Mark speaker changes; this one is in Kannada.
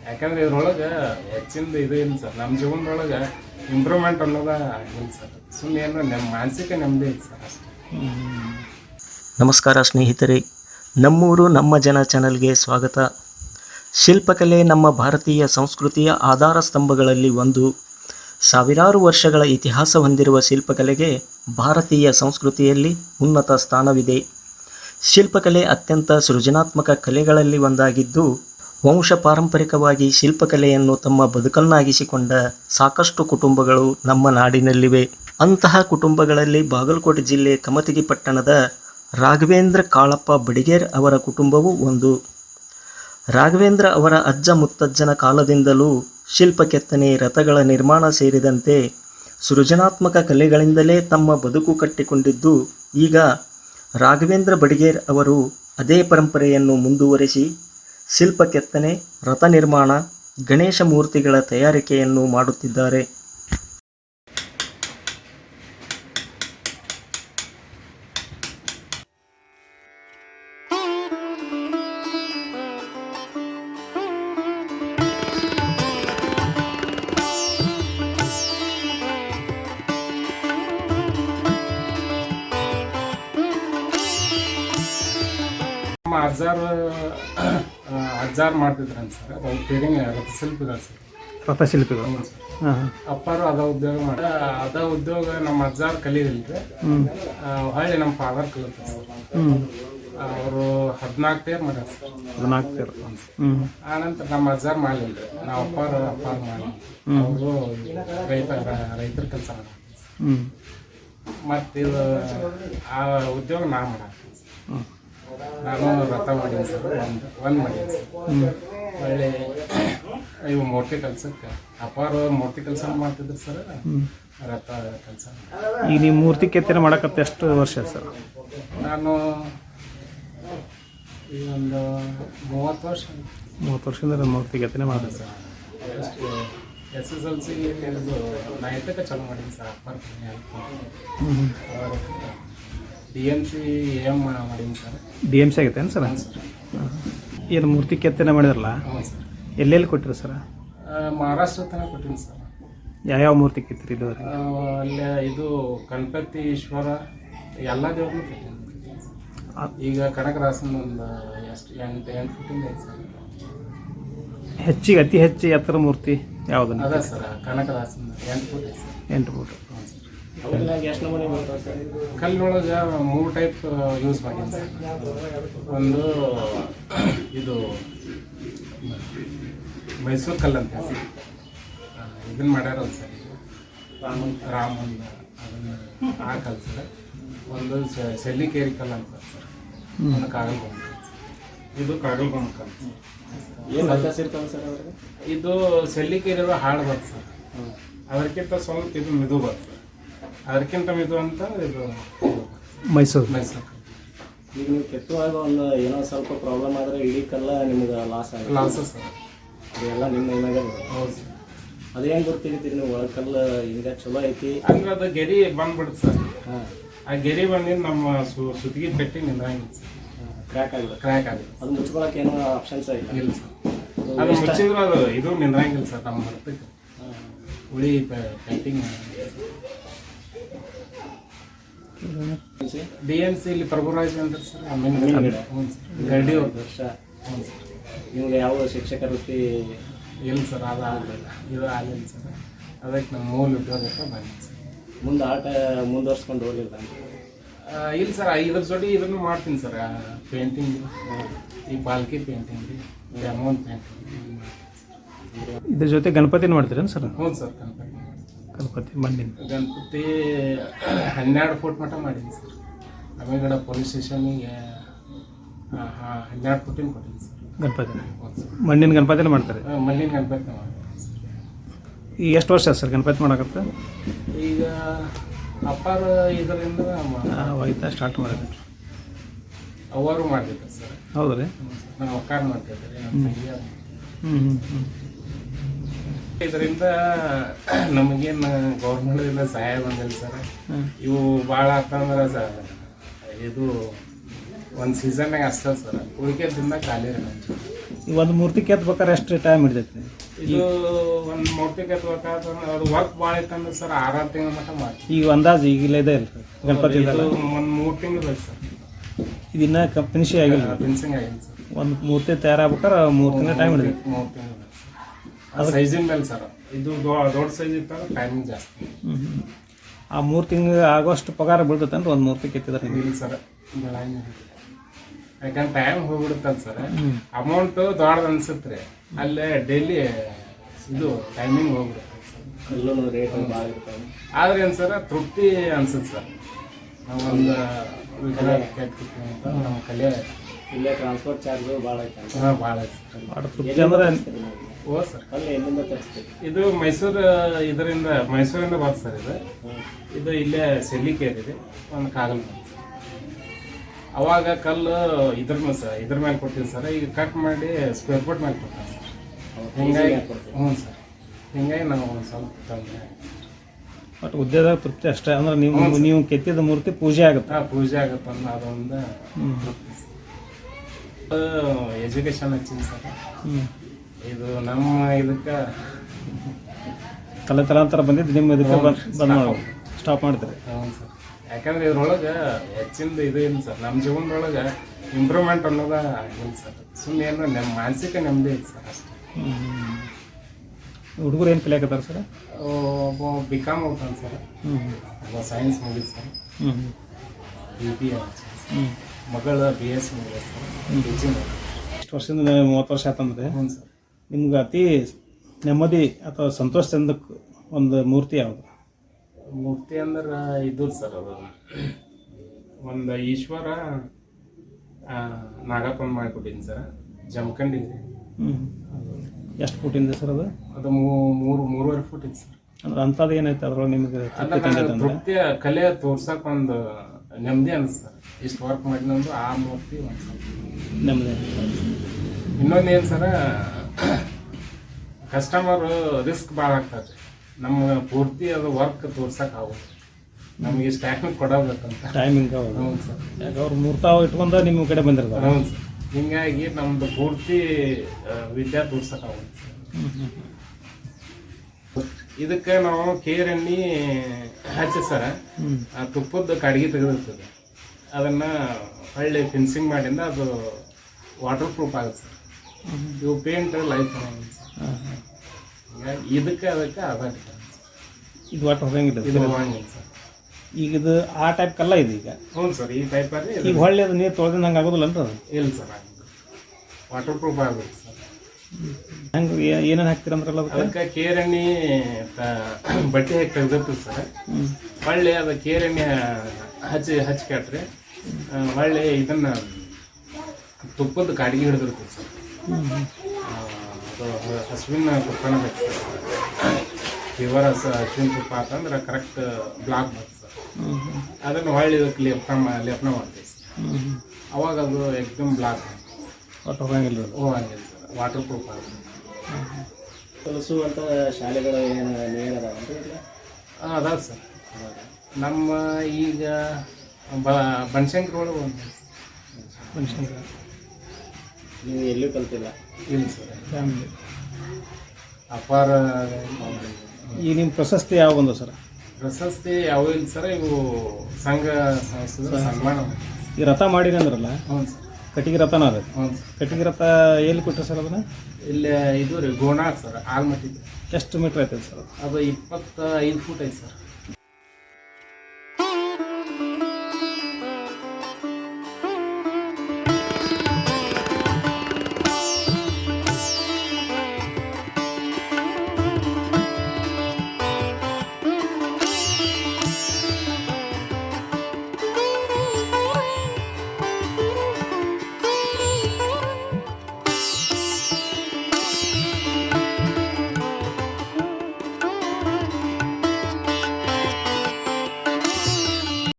Speaker 1: ಯಾಕಂದ್ರೆ ಇದ್ರೊಳಗೆ ಹೆಚ್ಚಿಂದ ಇದು ಇಲ್ಲ ಸರ್. ನಮ್ಮ ಜೀವನದೊಳಗೆ ಇಂಪ್ರೂವ್ಮೆಂಟ್ ಅನ್ನೋದ ಇಲ್ಲ ಸರ್. ಸುಮ್ಮನೆ ಏನೋ ನಮ್ಮ ಮಾನಸಿಕ ನೆಮ್ಮದಿ ಇಲ್ಲ ಸರ್ ಅಷ್ಟೇ.
Speaker 2: ನಮಸ್ಕಾರ ಸ್ನೇಹಿತರೆ, ನಮ್ಮೂರು ನಮ್ಮ ಜನ ಚಾನಲ್ಗೆ ಸ್ವಾಗತ. ಶಿಲ್ಪಕಲೆ ನಮ್ಮ ಭಾರತೀಯ ಸಂಸ್ಕೃತಿಯ ಆಧಾರ ಸ್ತಂಭಗಳಲ್ಲಿ ಒಂದು. ಸಾವಿರಾರು ವರ್ಷಗಳ ಇತಿಹಾಸ ಹೊಂದಿರುವ ಶಿಲ್ಪಕಲೆಗೆ ಭಾರತೀಯ ಸಂಸ್ಕೃತಿಯಲ್ಲಿ ಉನ್ನತ ಸ್ಥಾನವಿದೆ. ಶಿಲ್ಪಕಲೆ ಅತ್ಯಂತ ಸೃಜನಾತ್ಮಕ ಕಲೆಗಳಲ್ಲಿ ಒಂದಾಗಿದ್ದು, ವಂಶ ಪಾರಂಪರಿಕವಾಗಿ ಶಿಲ್ಪಕಲೆಯನ್ನು ತಮ್ಮ ಬದುಕನ್ನಾಗಿಸಿಕೊಂಡ ಸಾಕಷ್ಟು ಕುಟುಂಬಗಳು ನಮ್ಮ ನಾಡಿನಲ್ಲಿವೆ. ಅಂತಹ ಕುಟುಂಬಗಳಲ್ಲಿ ಬಾಗಲಕೋಟೆ ಜಿಲ್ಲೆ ಕಮತಗಿ ಪಟ್ಟಣದ ರಾಘವೇಂದ್ರ ಕಾಳಪ್ಪ ಬಡಿಗೇರ್ ಅವರ ಕುಟುಂಬವೂ ಒಂದು. ರಾಘವೇಂದ್ರ ಅವರ ಅಜ್ಜ ಮುತ್ತಜ್ಜನ ಕಾಲದಿಂದಲೂ ಶಿಲ್ಪ ಕೆತ್ತನೆ, ರಥಗಳ ನಿರ್ಮಾಣ ಸೇರಿದಂತೆ ಸೃಜನಾತ್ಮಕ ಕಲೆಗಳಿಂದಲೇ ತಮ್ಮ ಬದುಕು ಕಟ್ಟಿಕೊಂಡಿದ್ದು, ಈಗ ರಾಘವೇಂದ್ರ ಬಡಿಗೇರ್ ಅವರು ಅದೇ ಪರಂಪರೆಯನ್ನು ಮುಂದುವರಿಸಿ ಶಿಲ್ಪ ಕೆತ್ತನೆ, ರಥ ನಿರ್ಮಾಣ, ಗಣೇಶ ಮೂರ್ತಿಗಳ ತಯಾರಿಕೆಯನ್ನು ಮಾಡುತ್ತಿದ್ದಾರೆ.
Speaker 1: ನಮ್ಮ ಅಜ್ಜಾರು ಮಾಡ್ತಿದ್ರಂತ ಸರ್. ಅದು ಪೇರಿಂಗ್ ರಥಶಿಲ್ಪಿಗಳು ಸರ್.
Speaker 3: ರಥಶಿಲ್ಪಿಗಳು. ಹಾಂ.
Speaker 1: ಅಪ್ಪಾರು ಅದ ಉದ್ಯೋಗ ಅದ ಉದ್ಯೋಗ ನಮ್ಮ ಅಜ್ಜಾರು ಕಲೀಲಿಲ್ರಿ. ಹೊಳ್ಳಿ ನಮ್ಮ ಫಾದರ್ ಕಲಿತ ಸರ್. ಅವರು 14 ತೇರ್ ಮಾಡ್ಯಾರ ಸರ್.
Speaker 3: 14 ತೇರು.
Speaker 1: ಆನಂತರ ನಮ್ಮ ಅಜ್ಜಾರು ಮಾಡಲಿಲ್ಲ. ನಾವು ಅಪ್ಪಾರು ಮಾಡಿ ಅವರು ರೈತರ ಕೆಲಸ ಮಾಡ್ತಾರೆ. ಮತ್ತು ಇದು ಆ ಉದ್ಯೋಗ ನಾ ಮಾಡಾಕ್ತೀನಿ ಸರ್. ನಾನು ರಥ ಮಾಡೀನಿ ಸರ್. ಒಂದು ಮಾಡೀನಿ ಸರ್. ಒಳ್ಳೆ ಇವು ಮೂರ್ತಿ ಕೆಲ್ಸಕ್ಕೆ ಅಪ್ಪಾರು ಮೂರ್ತಿ ಕೆಲಸ ಮಾಡ್ತಿದ್ರು ಸರ್. ರಥ ಕೆಲಸ
Speaker 3: ಈಗ ನೀವು ಮೂರ್ತಿ ಕೆತ್ತನೆ ಮಾಡಕತ್ತೆ ಎಷ್ಟು ವರ್ಷ ಸರ್?
Speaker 1: ನಾನು ಈ ಒಂದು 30 ವರ್ಷ.
Speaker 3: 30 ವರ್ಷದಿಂದ ಮೂರ್ತಿ ಕೆತ್ತನೆ ಮಾಡಿದೆ ಸರ್.
Speaker 1: SSLC ನೈಟಕ್ಕೆ ಚಾಲು ಮಾಡೀನಿ ಸರ್. ಅಪ್ಪಾರು DMC AM ಮಾಡೀನಿ ಸರ್.
Speaker 3: DMC ಆಗೈತೇನು ಸರ್? ಏನು ಮೂರ್ತಿ ಕೆತ್ತನೆ ಮಾಡಿದ್ರಲ್ಲ,
Speaker 1: ಹ್ಞೂ ಸರ್.
Speaker 3: ಎಲ್ಲೆಲ್ಲಿ ಕೊಟ್ಟಿರಿ ಸರ್?
Speaker 1: ಮಹಾರಾಷ್ಟ್ರ ತನಕ ಕೊಟ್ಟೀನಿ ಸರ್.
Speaker 3: ಯಾವ್ಯಾವ ಮೂರ್ತಿ ಕೆತ್ತಿರಿ ಇದುವರೆಗೆ?
Speaker 1: ಅಲ್ಲೇ ಇದು ಗಣಪತಿ, ಈಶ್ವರ ಎಲ್ಲ ದೇವ್ರನ್ನೂ ಕೊಟ್ಟೀನಿ. ಈಗ ಕನಕದಾಸನ ಒಂದು ಎಷ್ಟು 8 ಫುಟಿಂದ ಐತೆ ಸರ್.
Speaker 3: ಹೆಚ್ಚಿಗೆ ಅತಿ ಹೆಚ್ಚು ಎತ್ತರ ಮೂರ್ತಿ ಯಾವುದನ್ನು?
Speaker 1: ಅದ ಸರ್ ಕನಕದಾಸನ 8 ಫುಟ್ ಐತೆ ಸರ್.
Speaker 3: 8 ಫುಟ್.
Speaker 2: ಎಷ್ಟು ನಮೂನೆ ಬರ್ತಾವೆ ಸರ್?
Speaker 1: ಕಲ್ಲೊಳಗೆ 3 ಟೈಪ್ ಯೂಸ್ ಮಾಡೀನಿ ಸರ್. ಒಂದು ಇದು ಮೈಸೂರು ಕಲ್ಲು ಅಂತ ಸರ್. ಇದನ್ನು ಮಾಡ್ಯಾರಲ್ಲ ಸರ್. ಇದು ರಾಮನ್ ಅದನ್ನು ಆ ಕಲ್ಲು ಸರ್. ಒಂದು ಸೆಲ್ಲಿಕೇರಿ ಕಲ್ಲು ಅಂತ ಸರ್. ಒಂದು ಕಾಗಲ್ಗೊಂಬ. ಇದು ಕಾಗಲ್ಗೊಂಬ ಕಲ್ಲು ಸರ್.
Speaker 2: ಏನು ವ್ಯತ್ಯಾಸ ಇರ್ತಾವೆ ಸರ್ ಅವ್ರಿಗೆ?
Speaker 1: ಇದು ಸೆಲ್ಲಿಕೇರಿ ಹಾಳು ಬರ್ತದೆ ಸರ್. ಅದಕ್ಕಿಂತ ಸ್ವಲ್ಪ ಇದು ಮಿದು ಬರ್ತದೆ. ಅದಕ್ಕಿಂತ ಮಿದು ಅಂತ ಇದು
Speaker 3: ಮೈಸೂರು.
Speaker 2: ಈಗ ನೀವು ಕೆತ್ತುವಾಗ ಒಂದು ಏನೋ ಸ್ವಲ್ಪ ಪ್ರಾಬ್ಲಮ್ ಆದರೆ ಇಡೀ ಕಲ್ಲ ನಿಮ್ಗೆ ಲಾಸ್
Speaker 1: ಸರ್.
Speaker 2: ಅದೆಲ್ಲ ನಿಮ್ಮ ಏನಾಗ
Speaker 1: ಹೌದು ಸರ್.
Speaker 2: ಅದೇನು ಗೊತ್ತಿರ್ತೀರಿ ನೀವು ಒಳಗೆ ಕಲ್ಲು ಹಿಂಗೆ ಚಲೋ ಐತಿ
Speaker 1: ಅಂದ್ರೆ ಅದು ಗೆರಿ ಬಂದ್ಬಿಡುತ್ತೆ ಸರ್.
Speaker 2: ಹಾಂ.
Speaker 1: ಆ ಗೆರಿ ಬಂದಿದ್ದು ನಮ್ಮ ಸುತ್ತಿಗೆ ಪೆಟ್ಟಿ ನಿಂದ್ರಂಗಿಲ್ಲ ಸರ್.
Speaker 2: ಕ್ರ್ಯಾಕ್ ಆಗಿದೆ. ಅದು ಮುಚ್ಕೊಳಕ್ಕೆ ಏನೋ ಆಪ್ಷನ್ಸ್
Speaker 1: ಇಲ್ಲ ಸರ್. ಅದು ಮುಚ್ಚಿದ್ರು ಅದು ಇದು ನಿಂದ್ರಂಗಿಲ್ಲ ಸರ್. ನಮ್ಮ ಹೊರತಕ್ಕೆ ಉಳಿ ಪೇಂಟಿಂಗ್ DMC ಇಲ್ಲಿ ಪ್ರಭುರಾಜ್ ಅಂತ ಸರ್. ಹ್ಞೂ ಸರ್. ರೆಡ್ಡಿ ಅವ್ರದ್ದು ವರ್ಷ. ಹ್ಞೂ ಸರ್.
Speaker 2: ನಿಮ್ಗೆ ಯಾವ ಶಿಕ್ಷಕ ವೃತ್ತಿ?
Speaker 1: ಇಲ್ಲ ಸರ್, ಅದು ಆಗಲಿಲ್ಲ. ಇದು ಆಗಲಿಲ್ಲ ಸರ್. ಅದಕ್ಕೆ ನಮ್ಮ ಮೂಲ ಉದ್ಯೋಗಕ್ಕೆ ಬಂದಿದೆ ಸರ್.
Speaker 2: ಮುಂದೆ ಆಟ ಮುಂದುವರ್ಸ್ಕೊಂಡು ಹೋಗಲಿಲ್ಲ?
Speaker 1: ಇಲ್ಲ ಸರ್. ಇದ್ರ ಜೊತೆ ಇದನ್ನು ಮಾಡ್ತೀನಿ ಸರ್. ಪೇಂಟಿಂಗ್, ಈ ಪಾಲ್ಕಿ ಪೇಂಟಿಂಗ್ ರೀ, ಡೆಮೋನ್ ಪೇಂಟಿಂಗ್.
Speaker 3: ಇದ್ರ ಜೊತೆ ಗಣಪತಿನ ಮಾಡ್ತೀರೇನು ಸರ್?
Speaker 1: ಹ್ಞೂ ಸರ್.
Speaker 3: ಗಣಪತಿ ಮಣ್ಣಿನ
Speaker 1: ಗಣಪತಿ 12 ಫುಟ್ ಮಟ್ಟ ಮಾಡೀನಿ ಸರ್. ಅಮೇಗಡ ಪೊಲೀಸ್ ಸ್ಟೇಷನಿಗೆ 12 ಫುಟಿನ ಕೊಟ್ಟಿನಿ ಸರ್.
Speaker 3: ಗಣಪತಿ ಮಣ್ಣಿನ ಗಣಪತಿನ ಮಾಡ್ತಾರೆ?
Speaker 1: ಮಣ್ಣಿನ ಗಣಪತಿ ಮಾಡ್ತೀನಿ ಸರ್.
Speaker 3: ಈಗ ಎಷ್ಟು ವರ್ಷ ಸರ್ ಗಣಪತಿ ಮಾಡಕತ್ತೆ?
Speaker 1: ಈಗ ಅಪ್ಪಾರ ಇದರಿಂದ
Speaker 3: ಹೋಯ್ತಾ ಸ್ಟಾರ್ಟ್ ಮಾಡಿದ್ರು.
Speaker 1: ಅವರು ಮಾಡ್ತಿದ್ರು ಸರ್.
Speaker 3: ಹೌದು ರೀ.
Speaker 1: ನಾವು ಒಕ್ಕಾರ ಮಾಡ್ತಿದ್ದೆ ನಮ್ಮ ತಂಗಿ. ಇದರಿಂದ ನಮಗೇನು ಗೌರ್ಮೆಂಟಿಂದ ಸಹಾಯ ಬಂದಿಲ್ಲ ಸರ್. ಇವು ಭಾಳ ಆತಂದ್ರೆ ಸರ್ ಇದು ಒಂದು ಸೀಸನ್ನಾಗ ಅಷ್ಟೇ ಸರ್. ಉಳಿಕೆ ದಿನ ಖಾಲಿ ರೀ ನಮ್ಮ
Speaker 3: ಈ ಒಂದು ಮೂರ್ತಿ ಕೆತ್ತಬೇಕಾದ್ರೆ ಎಷ್ಟು ಟೈಮ್ ಹಿಡಿತೈತಿ?
Speaker 1: ಇದು ಒಂದು ಮೂರ್ತಿ ಕೆತ್ತಬೇಕಾದ್ರೆ ಅದು ವರ್ಕ್ ಭಾಳ ಇತ್ತಂದ್ರೆ ಸರ್ 6 ತಿಂಗಳ ಮಟ್ಟ ಮಾಡಿ.
Speaker 3: ಈಗ ಅಂದಾಜು ಈಗಿಲ್ಲ ಇದೆ ಇಲ್ಲ ಗಣಪತಿ
Speaker 1: ಇದು ಒಂದು 3 ತಿಂಗಳು ಬೇಕು ಸರ್.
Speaker 3: ಇದನ್ನ ಫಿನಿಶಿಂಗ್ ಆಗಿಲ್ಲ,
Speaker 1: ಫಿನಿಶಿಂಗ್ ಆಗಿಲ್ಲ ಸರ್.
Speaker 3: ಒಂದು ಮೂರ್ತಿ ತಯಾರಾಗ್ಬೇಕಾರೆ 3 ತಿಂಗಳ ಟೈಮ್ ಹಿಡಿತೈತಿ.
Speaker 1: 3 ತಿಂಗಳು ಬೇಕು ಸರ್. ಅದು ಸೈಜಿನ ಮೇಲೆ ಸರ್. ಇದು ದೊಡ್ಡ ಸೈಜ್ ಇತ್ತಂದ್ರೆ ಟೈಮಿಂಗ್ ಜಾಸ್ತಿ.
Speaker 3: ಆ 3 ತಿಂಗಳು ಆಗೋಷ್ಟು ಪಗಾರ ಬೀಳ್ತೈತೆ ಅಂದ್ರೆ ಒಂದು ಮೂರ್ತಿ ಕೆತ್ತಿದ್ರೆ ನೀವು?
Speaker 1: ಇಲ್ಲ ಸರ್, ಯಾಕಂದ್ರೆ ಟೈಮ್ ಹೋಗ್ಬಿಡುತ್ತಲ್ಲ ಸರ್. ಅಮೌಂಟು ದೊಡ್ಡದು ಅನ್ಸುತ್ತೆ ರೀ, ಅಲ್ಲೇ ಡೈಲಿ ಇದು ಟೈಮಿಂಗ್ ಹೋಗ್ಬಿಡುತ್ತೆ ಸರ್.
Speaker 2: ಕಲ್ಲು ರೇಟ್ ಭಾಳ ಇರ್ತಾವೆ.
Speaker 1: ಆದ್ರೆ ಏನು ಸರ್ ತೃಪ್ತಿ ಅನ್ಸುತ್ತೆ ಸರ್. ನಾವು ಒಂದು ವಿಗ್ರಹ ಕೆತ್ತಿರ್ತೀವಿ ಅಂತ ನಮ್ಮ ಕಲೆ
Speaker 2: ಇಲ್ಲೇ ಟ್ರಾನ್ಸ್ಪೋರ್ಟ್ ಚಾರ್ಜು ಭಾಳ ಐತೆ.
Speaker 1: ಭಾಳ ಐತೆ ಸರ್.
Speaker 3: ಭಾಳ ತೃಪ್ತಿ ಅಂದ್ರೆ
Speaker 1: ಓ ಸರ್,
Speaker 2: ಕಲ್ಲು ಎಲ್ಲಿಂದ ತರಿಸ್ತೀವಿ?
Speaker 1: ಇದು ಮೈಸೂರಿಂದ ಬರ್ತದೆ ಸರ್. ಇದು ಇಲ್ಲೇ ಸೆಲ್ಲಿಕೇರಿದೆ ಒಂದು ಕಾಗಲ್ ಬಂತು. ಅವಾಗ ಕಲ್ಲು ಇದ್ರ ಮೇಲೆ ಕೊಡ್ತೀವಿ ಸರ್. ಈಗ ಕಟ್ ಮಾಡಿ ಸ್ಕ್ವೇರ್ ಫುಟ್ ಮೇಲೆ ಕೊಡ್ತಾರೆ ಸರ್. ಹಿಂಗಾಗಿ ಹ್ಞೂ ಸರ್, ಹಿಂಗಾಗಿ ನಾವು ಒಂದು ಸ್ವಲ್ಪ ತೊಂದರೆ.
Speaker 3: ಬಟ್ ಉದ್ಯೋಗ ತೃಪ್ತಿ ಅಷ್ಟೇ ಅಂದ್ರೆ ನೀವು ಕೆತ್ತಿದ ಮೂರ್ತಿ ಪೂಜೆ ಆಗುತ್ತೆ.
Speaker 1: ಪೂಜೆ ಆಗುತ್ತೆ ಅನ್ನೋ ಅದೊಂದು ತೃಪ್ತಿ ಸರ್. Education ಹಚ್ಚಿನಿ sir. ಇದು ನಮ್ಮ ಇದಕ್ಕೆ
Speaker 3: ತಲಾಂತರ ಬಂದಿದ್ದು ನಿಮ್ಮ ಇದಕ್ಕೆ ಬಂದ್ ಮಾಡೋದು ಸ್ಟಾಪ್ ಮಾಡ್ತಾರೆ.
Speaker 1: ಹ್ಞೂ ಸರ್, ಯಾಕಂದ್ರೆ ಇದ್ರೊಳಗೆ ಹೆಚ್ಚಿಂದ ಇದು ಇಲ್ಲ ಸರ್. ನಮ್ಮ ಜೀವನದೊಳಗೆ ಇಂಪ್ರೂವ್ಮೆಂಟ್ ಅನ್ನೋದ ಇಲ್ಲ ಸರ್. ಸುಮ್ಮನೆ ಏನು ನಮ್ಮ ಮಾನಸಿಕ ನೆಮ್ಮದಿ ಐತೆ ಸರ್ ಅಷ್ಟೇ.
Speaker 3: ಹುಡುಗರು ಏನು ಕಲಿಯಾಕತ್ತಾರ ಸರ್?
Speaker 1: ಒಬ್ಬ BCom ಹೋಗ್ತಾನೆ ಸರ್, ಒಬ್ಬ ಸೈನ್ಸ್ ಮುಗಿದು ಸರ್, BBA ಮಗಳು BSc ಮುಗಿದ ಸರ್, ಟೀಚಿಂಗ್.
Speaker 3: ಇಷ್ಟು ವರ್ಷದಿಂದ 30 ವರ್ಷ ಆತಂದ್ರೆ
Speaker 1: ಹ್ಞೂ ಸರ್.
Speaker 3: ನಿಮ್ಗೆ ಅತಿ ನೆಮ್ಮದಿ ಅಥವಾ ಸಂತೋಷದಿಂದ ಒಂದು ಮೂರ್ತಿ ಯಾವುದು?
Speaker 1: ಮೂರ್ತಿ ಅಂದ್ರೆ ಇದು ಸರ್, ಅದು ಒಂದು ಈಶ್ವರ ನಾಗಪ್ಪನ ಮಾಡಿಕೊಟ್ಟಿನಿ ಸರ್, ಜಮಖಂಡಿಗೆ.
Speaker 3: ಎಷ್ಟು ಫುಟಿಂದ ಸರ್ ಅದು?
Speaker 1: ಅದು 3.5 ಫುಟ್ ಇತ್ತು ಸರ್.
Speaker 3: ಅಂದ್ರೆ ಅಂಥದ್ದು ಏನೈತೆ ಅದ್ರೊಳಗೆ ನಿಮಗೆ
Speaker 1: ತೃಪ್ತಿಯ ಕಲೆ ತೋರ್ಸಕ್ಕೆ ಒಂದು ನೆಮ್ಮದಿ ಅನಿಸ್ತಾರೆ. ಇಷ್ಟು ವರ್ಕ್ ಮಾಡಿನಂದು ಆ ಮೂರ್ತಿ ಒಂದು
Speaker 3: ನೆಮ್ಮದಿ.
Speaker 1: ಇನ್ನೊಂದು ಏನು ಸರ, ಕಸ್ಟಮರು ರಿಸ್ಕ್ ಭಾಳ ಆಗ್ತದೆ. ನಮ್ಮ ಪೂರ್ತಿ ಅದು ವರ್ಕ್ ತೋರ್ಸಕ್ಕೆ ಆಗೋದು, ನಮಗೆ ಇಷ್ಟು ಟೈಮಿಂಗ್ ಕೊಡಬೇಕಂತ
Speaker 3: ಟೈಮಿಂಗ್.
Speaker 1: ಹ್ಞೂ ಸರ್,
Speaker 3: ಯಾಕೆ ಅವ್ರು ಮೂರ್ತಾವ ಇಟ್ಕೊಂಡು ನಿಮ್ಮ ಕಡೆ ಬಂದಿರ್ತಾರೆ.
Speaker 1: ಹ್ಞೂ ಸರ್, ಹಿಂಗಾಗಿ ನಮ್ಮದು ಪೂರ್ತಿ ವಿದ್ಯಾ ತೋರ್ಸಕ್ಕೆ ಆಗೋದು ಸರ್. ಇದಕ್ಕೆ ನಾವು ಕೇರ್ ಎಣ್ಣೆ ಹಚ್ಚಿ ಸರ, ತುಪ್ಪದ ಕಡ್ಗಿ ತೆಗೆದಿರ್ತದೆ, ಅದನ್ನು ಹೊಳ್ಳಿ ಫಿನ್ಸಿಂಗ್ ಮಾಡಿಂದ ಅದು ವಾಟರ್ ಪ್ರೂಫ್ ಆಗುತ್ತೆ ಸರ್. ಇವು ಪೇಂಟ್ ಲೈಫ್ ಹಿಂಗಾಗಿ ಇದಕ್ಕೆ ಅದಕ್ಕೆ ಅದ ಡಿಫರೆನ್ಸ್.
Speaker 3: ಇದು ವಾಟರ್ ಹೋಗಂಗಿಲ್ಲ,
Speaker 1: ಇದು ಹೋಗಂಗಿಲ್ಲ ಸರ್.
Speaker 3: ಈಗ ಇದು ಆ ಟೈಪ್ ಕಲ್ಲ ಇದೆ ಈಗ.
Speaker 1: ಹ್ಞೂ ಸರ್, ಈ ಟೈಪಲ್ಲಿ
Speaker 3: ಈಗ ಹೊಳ್ಳಿ ಅದು ನೀರು ತೊಳೆದಿಂದ ಹಂಗೆ ಆಗೋದಿಲ್ಲ ಅಂತ?
Speaker 1: ಇಲ್ಲ ಸರ್, ವಾಟರ್ ಪ್ರೂಫ್ ಆಗುತ್ತೆ ಸರ್.
Speaker 3: ಹಂಗೆ ಏನೇನು ಹಾಕ್ತೀರಂದ್ರಲ್ಲ
Speaker 1: ಅದಕ್ಕೆ ಕೇರ್ ಎಣ್ಣೆ ಬಟ್ಟೆ ಹಾಕಿ ತೆಗ್ದಿರ್ತದೆ ಸರ್. ಹೊಳ್ಳಿ ಅದು ಕೇರ್ ಎಣ್ಣೆ ಹಚ್ಚಿ ಕೇಳ್ರಿ, ಹೊಳ್ಳಿ ಇದನ್ನು ತುಪ್ಪದ ಕಾಡಿಗೆ ಹಿಡಿದಿರ್ತದೆ ಸರ್. ಅದು ಹಸುವಿನ ತುಪ್ಪನ ಬೇಕು ಸರ್. ಪ್ಯೂರ್ ಹಸುವಿನ ತುಪ್ಪ ಅಂತಂದ್ರೆ ಕರೆಕ್ಟ್ ಬ್ಲಾಕ್ ಬರ್ತದೆ ಸರ್. ಅದನ್ನು ಹೊಳ್ಳಿ ಇದಕ್ಕೆ ಲೇಪನ ಮಾಡ್ತೀವಿ ಸರ್. ಅವಾಗ ಅದು ಎಕ್ದಮ್ ಬ್ಲಾಕ್
Speaker 3: ಹೋಗಂಗಿಲ್ಲ.
Speaker 1: ಹೋಗಂಗಿಲ್ಲ ಸರ್, ವಾಟರ್ ಪ್ರೂಫ್ ಆಗುತ್ತೆ.
Speaker 2: ಕಲಿಸುವಂಥ ಶಾಲೆಗಳು ಏನು ಏನದಾವಂತ?
Speaker 1: ಅದಾವ ಸರ್. ನಮ್ಮ ಈಗ ಬನಶಂಕರಿ ಒಳಗೆ ಒಂದು
Speaker 3: ಮನುಷ್ಯನಿಗೆ
Speaker 2: ನೀವು ಎಲ್ಲೂ ಕಲ್ತಿಲ್ಲ?
Speaker 1: ಇಲ್ಲ ಸರ್,
Speaker 3: ಫ್ಯಾಮಿಲಿ
Speaker 1: ಅಪಾರ.
Speaker 3: ಈಗ ನಿಮ್ಮ ಪ್ರಶಸ್ತಿ ಯಾವ ಬಂದು ಸರ್?
Speaker 1: ಪ್ರಶಸ್ತಿ ಯಾವ ಇಲ್ಲ ಸರ್, ಇವು ಸಂಘ ಸಂಸ್ಥೆ ಸನ್ಮಾನ.
Speaker 3: ಈ ರಥ ಮಾಡಿರಿ ಅಂದ್ರಲ್ಲ,
Speaker 1: ಹ್ಞೂ ಸರ್,
Speaker 3: ಕಟ್ಟಿಗೆ ರಥನ ಅದ.
Speaker 1: ಹ್ಞೂ ಸರ್.
Speaker 3: ಕಟ್ಟಿಗೆ ರಥ ಎಲ್ಲಿ ಕೊಟ್ಟರೆ ಸರ್ ಅದನ್ನ?
Speaker 1: ಇಲ್ಲಿ ಇದು ರೀ ಗೋಣಾಳ್ ಸರ್, ಆಲ್ಮಟ್ಟಿ.
Speaker 3: ಎಷ್ಟು ಮೀಟ್ರ್ ಐತೆ ಸರ್?
Speaker 1: ಅದು 25 ಫೂಟ್ ಐತೆ ಸರ್.